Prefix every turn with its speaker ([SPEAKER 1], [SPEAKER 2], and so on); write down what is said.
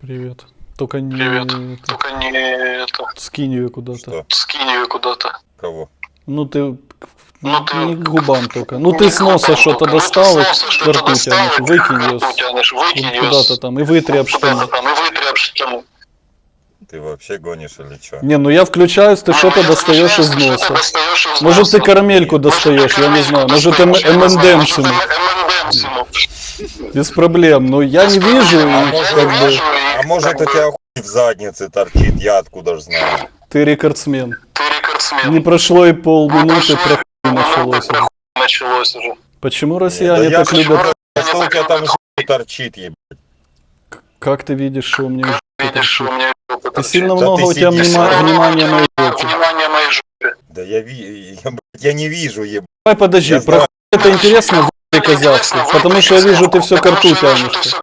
[SPEAKER 1] Привет. Только не...
[SPEAKER 2] Привет.
[SPEAKER 1] это,
[SPEAKER 2] Только не это.
[SPEAKER 1] скинь ее куда-то.
[SPEAKER 3] Что?
[SPEAKER 2] Скинь ее куда-то.
[SPEAKER 3] Кого?
[SPEAKER 1] Ну ты...
[SPEAKER 2] Ну ты...
[SPEAKER 1] Не к губам только. Ну
[SPEAKER 2] Не
[SPEAKER 1] ты
[SPEAKER 2] к
[SPEAKER 1] с носа
[SPEAKER 2] губам
[SPEAKER 1] что-то
[SPEAKER 2] только. Ну, ты
[SPEAKER 1] достал,
[SPEAKER 2] с
[SPEAKER 1] и
[SPEAKER 2] носа
[SPEAKER 1] к
[SPEAKER 2] что-то
[SPEAKER 1] рту
[SPEAKER 2] достал,
[SPEAKER 1] тянешь,
[SPEAKER 2] и
[SPEAKER 1] выкинь
[SPEAKER 2] к
[SPEAKER 1] ее
[SPEAKER 2] рту тянешь, выкинь её
[SPEAKER 1] куда-то там и вытри об штаны.
[SPEAKER 2] куда-то там и вытри об штаны.
[SPEAKER 3] Ты вообще гонишь или что?
[SPEAKER 1] Не, ну я включаюсь, ты что-то
[SPEAKER 2] Я
[SPEAKER 1] достаешь из
[SPEAKER 2] включаю, что-то
[SPEAKER 1] носа.
[SPEAKER 2] достаешь из
[SPEAKER 1] Может ты
[SPEAKER 2] носа.
[SPEAKER 1] карамельку
[SPEAKER 3] Нет.
[SPEAKER 1] достаешь, я не знаю. Может
[SPEAKER 2] достаешь, я не знаю. Может,
[SPEAKER 1] ММДМсину.
[SPEAKER 2] M&M's'ину.
[SPEAKER 1] Без проблем. Но я не вижу,
[SPEAKER 3] А
[SPEAKER 1] и
[SPEAKER 3] может,
[SPEAKER 1] как бы
[SPEAKER 3] а может у тебя хуй в заднице торчит, я откуда ж знаю.
[SPEAKER 1] ты рекордсмен.
[SPEAKER 2] Ты рекордсмен.
[SPEAKER 1] Не прошло и полминуты,
[SPEAKER 2] прошло
[SPEAKER 1] про хуй
[SPEAKER 2] и
[SPEAKER 1] началось уже.
[SPEAKER 2] Началось уже.
[SPEAKER 1] Почему
[SPEAKER 3] Да
[SPEAKER 1] россияне
[SPEAKER 3] я
[SPEAKER 1] так
[SPEAKER 3] ж
[SPEAKER 1] любят?
[SPEAKER 3] просто, что у тебя там хуй торчит, ебать.
[SPEAKER 1] Как ты видишь, что у меня
[SPEAKER 2] Как
[SPEAKER 1] жопа
[SPEAKER 2] видишь, что у
[SPEAKER 1] торчит?
[SPEAKER 2] меня жопа
[SPEAKER 1] Ты
[SPEAKER 2] торчит.
[SPEAKER 1] сильно
[SPEAKER 3] Да
[SPEAKER 1] много
[SPEAKER 3] ты
[SPEAKER 1] у тебя
[SPEAKER 3] сидишь,
[SPEAKER 1] внимания моей жопе.
[SPEAKER 2] Внимание моей жопе.
[SPEAKER 3] Да я не вижу, ебать.
[SPEAKER 1] Давай подожди,
[SPEAKER 3] Я
[SPEAKER 1] про
[SPEAKER 3] знаю.
[SPEAKER 1] хуй это интересно, в***й козявку, потому что я вижу, ты все к рту тянешься.